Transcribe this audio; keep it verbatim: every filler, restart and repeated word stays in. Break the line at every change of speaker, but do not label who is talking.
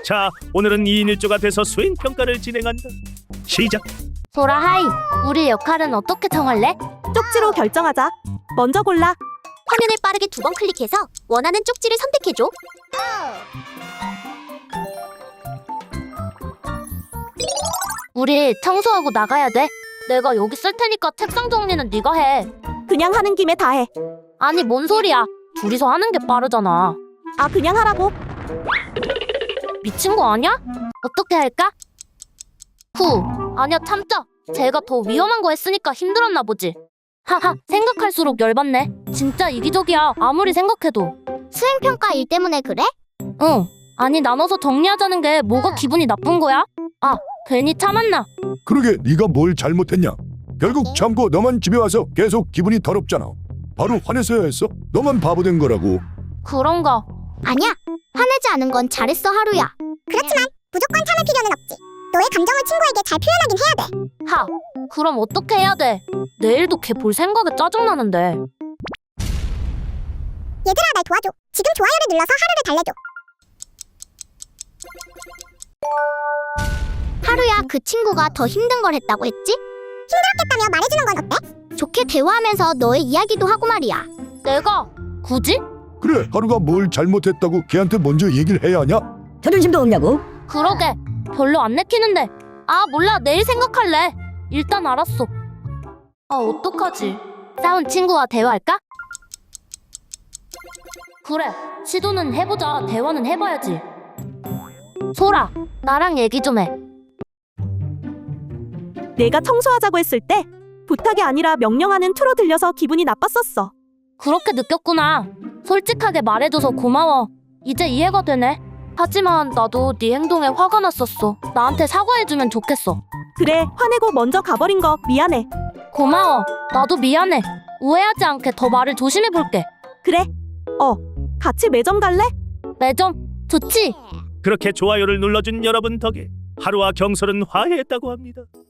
자, 오늘은 이인 일조가 돼서 수행평가를 진행한다. 시작.
소라 하이, 우리 역할은 어떻게 정할래?
쪽지로 결정하자. 먼저 골라.
화면을 빠르게 두 번 클릭해서 원하는 쪽지를 선택해줘.
우리 청소하고 나가야 돼. 내가 여기 쓸 테니까 책상 정리는 네가 해.
그냥 하는 김에 다 해.
아니 뭔 소리야. 둘이서 하는 게 빠르잖아.
아, 그냥 하라고.
미친 거 아니야? 어떻게 할까? 후, 아니야 참자. 제가 더 위험한 거 했으니까 힘들었나 보지. 하하, 생각할수록 열받네. 진짜 이기적이야, 아무리 생각해도.
수행평가 일 때문에 그래?
응, 아니 나눠서 정리하자는 게 뭐가 기분이 나쁜 거야? 아, 괜히 참았나?
그러게 네가 뭘 잘못했냐? 결국 참고 너만 집에 와서 계속 기분이 더럽잖아. 바로 화내서야 했어? 너만 바보 된 거라고.
그런가?
아니야. 화내지 않은 건 잘했어, 하루야. 그렇지만 무조건 참을 필요는 없지. 너의 감정을 친구에게 잘 표현하긴 해야 돼.
하, 그럼 어떻게 해야 돼? 내일도 걔 볼 생각에 짜증나는데.
얘들아, 날 도와줘. 지금 좋아요를 눌러서 하루를 달래줘. 하루야, 그 친구가 더 힘든 걸 했다고 했지? 힘들었겠다며 말해주는 건 어때? 좋게 대화하면서 너의 이야기도 하고 말이야.
내가? 굳이?
그래, 하루가 뭘 잘못했다고 걔한테 먼저 얘기를 해야 하냐?
자존심도 없냐고?
그러게, 별로 안 내키는데. 아 몰라, 내일 생각할래. 일단 알았어. 아 어떡하지? 싸운 친구와 대화할까? 그래, 시도는 해보자. 대화는 해봐야지. 소라, 나랑 얘기 좀 해.
내가 청소하자고 했을 때 부탁이 아니라 명령하는 투로 들려서 기분이 나빴었어.
그렇게 느꼈구나. 솔직하게 말해줘서 고마워. 이제 이해가 되네. 하지만 나도 네 행동에 화가 났었어. 나한테 사과해주면 좋겠어.
그래, 화내고 먼저 가버린 거 미안해.
고마워. 나도 미안해. 오해하지 않게 더 말을 조심해볼게.
그래. 어, 같이 매점 갈래?
매점 좋지?
그렇게 좋아요를 눌러준 여러분 덕에 하루와 경솔은 화해했다고 합니다.